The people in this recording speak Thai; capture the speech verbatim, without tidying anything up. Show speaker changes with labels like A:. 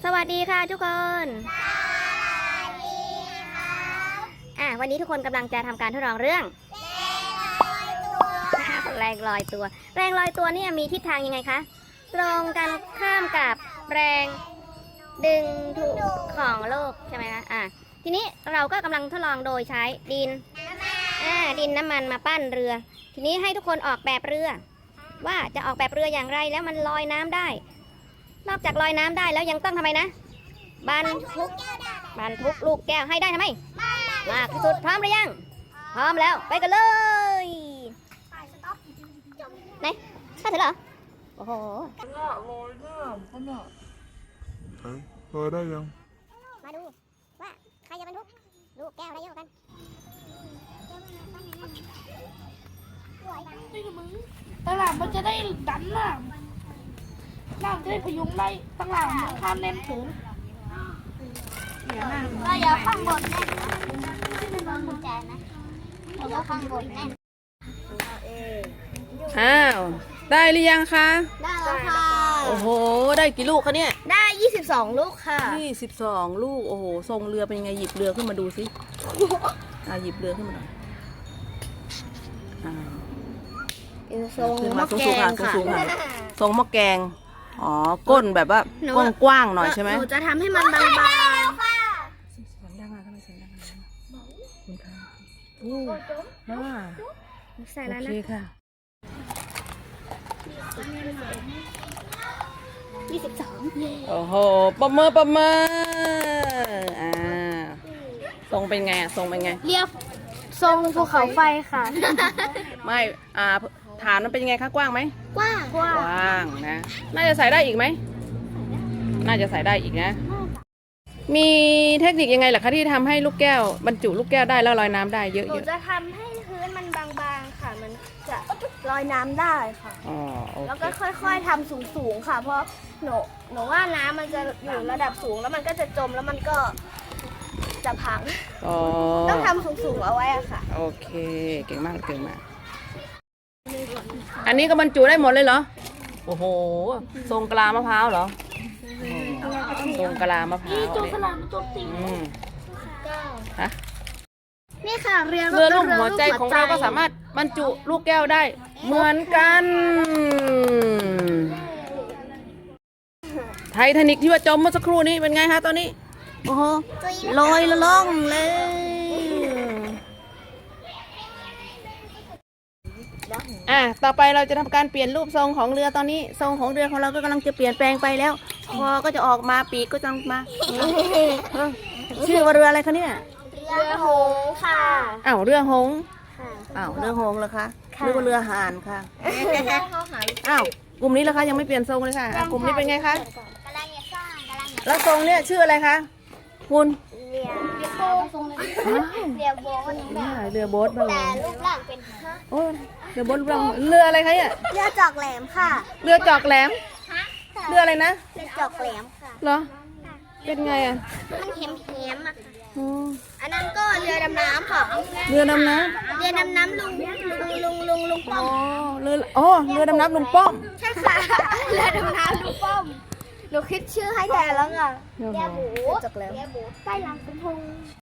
A: สวัสดีค่ะทุกคนอ่ะวันนี้ทุกคนกำลังจะทำการทดลองเรื่องแรงลอยตัวแรงลอยตัวเนี่ยมีทิศทางยังไงคะตรงกันข้ามกับแรงดึงถูกของโลกใช่ไหมคะอ่ะทีนี้เราก็กำลังทดลองโดยใช้ดินอ่าดินน้ำมันมาปั้นเรือ ทีนี้ให้ทุกคนออกแบบเรือว่าจะออกแบบเรืออย่างไรแล้วมันลอยน้ำได้นอกจากลอยน้ำได้แล้วยังต้องทำไมนะบรรทุกบรรทุกลูกแก้วให้ได้ทำไมมากที่สุดพร้อมหรือยังพร้อมแล้วไปกันเลยไหนข้าถือเหรอโอ้โห
B: ลอยน้ำขนาดลอยได้ยัง
A: มาดูว่าใครจะบรรทุกลูกแก้วได้เยอะกัน
C: ตลาดมันจะได้ดันน้ำน้ำจะได้พยุงได้ตลาดมันข้ามแน่นถึง
A: ก็อย่าข้างบนแน่นนะไม่โดนกุญแจนะอย่าข้างบนแน่น
D: อ้าวได้หรือยังคะ
A: ได้แล้วค่ะ
D: โอ้โหได้กี่ลูกคะเนี่ย
A: ได้ยี่สิบสองลูกค่ะ
D: ยี่สิบสองลูกโอ้โหทรงเรือเป็นยังไงหยิบเรือขึ้นมาดูสิอ่าหยิบเรือขึ้นมาหน่อยอ่า
A: ทรงหม้อแกงค่ะ
D: ทรงหม้อแกงอ๋อก้นแบบว่ากว้างๆหน่อยใช่ไหม
A: หนูจะทำให้มันบางๆ
D: เสียงดังอ่ะทำไมเสียงดังอ่ะคุณค่ะโอ้อ่า
A: ใส่แล้วนะ
D: โอเคค่ะ
A: ยี่สิบสอง
D: โอ้โหประเมินประเมินอ่าทรงเป็นไงอ่ะทรงเป็นไง
A: เรียบทรงภูเขาไฟค่ะ
D: ไม่อ่าฐานมันเป็นยังไงคะกว้างไหม
A: กว้างกว้าง
D: กว้างนะน่าจะใส่ได้อีกไหมน่าจะใส่ได้อีกนะมีเทคนิคยังไงล่ะคะที่ทำให้ลูกแก้วบรรจุลูกแก้วได้แล้วลอยน้ำได้เยอะๆหนู
A: จะทำให้พื้นมันบางๆค่ะมันจะลอยน้ำได้ค่ะ
D: อ๋อโอเค
A: แล้วก็ค่อยๆทำสูงๆค่ะเพราะหนูหนูว่าน้ำมันจะอยู่ระดับสูงแล้วมันก็จะจมแล้วมันก็จะพังต้องทำสูงๆเอาไว้อะค่ะ
D: โอเคเก่งมากเก่งมากอันนี้ก็บรรจุได้หมดเลยเหรอโอ้โหทรงกะลามะพร้าวเหรอทรงกะลามะพร้าว
C: นี่ตัวสลัดตัวตี
D: ฮะ
A: นี่ค่ะเรือ
D: เรือลูกหัวใจของเราก็สามารถบรรจุลูกแก้วได้เหมือนกันไททานิคที่ว่าจมเมื่อสักครู่นี้เป็นไงคะตอนนี้โอ้โหลอยละล่องเลยอ่ะต่อไปเราจะทำการเปลี่ยนรูปทรงของเรือตอนนี้ทรงของเรือของเราก็กำลังจะเปลี่ยนแปลงไปแล้วคอก็จะออกมาปีกก็จะมาชื่อว่าเรืออะไรคะเนี่ย
A: เรือหงค่ะ
D: อ้าวเรือหงอ้าวเรือหงเหรอคะหรือว่าเรือห่านค่ะอ้าวกลุ่มนี้เหรอคะยังไม่เปลี่ยนทรงเลยค่ะกลุ่มนี้เป็นไงคะ
A: กำลังจะสร้างกำลัง
D: แล้วทรงเนี่ยชื่ออะไรคะคุณ
A: เรือเรือโบ๊ท
D: เรือโบ๊ทบ้าง
A: แต่รูปร่างเป็น
D: โอ้เรือโบ๊ทรูปร่างเรืออะไรคะเนี่ย
A: เรือจอกแหลมค่ะ
D: เรือจอกแหลมเรืออะไรนะ
A: เรือจอกแหลมค่ะ
D: เหรอเป็นไงอ่ะ
A: มันเข็มเข็มอ่ะอันนั้นก็เรือดำน้ำค่ะ
D: เรือดำน้ำ
A: เรือดำน้ำลุงลุงลุงลุงลุงป้อม
D: อ๋อเรืออ๋อเรือดำน้ำลุงป้อม
A: ใช่ค่ะเรือดำน้ำลุงป้อมหนูคิดชื่อให้แทนแล้วค่ะเรือบูจอกแหลมเรือบูใต้ลำสะพุง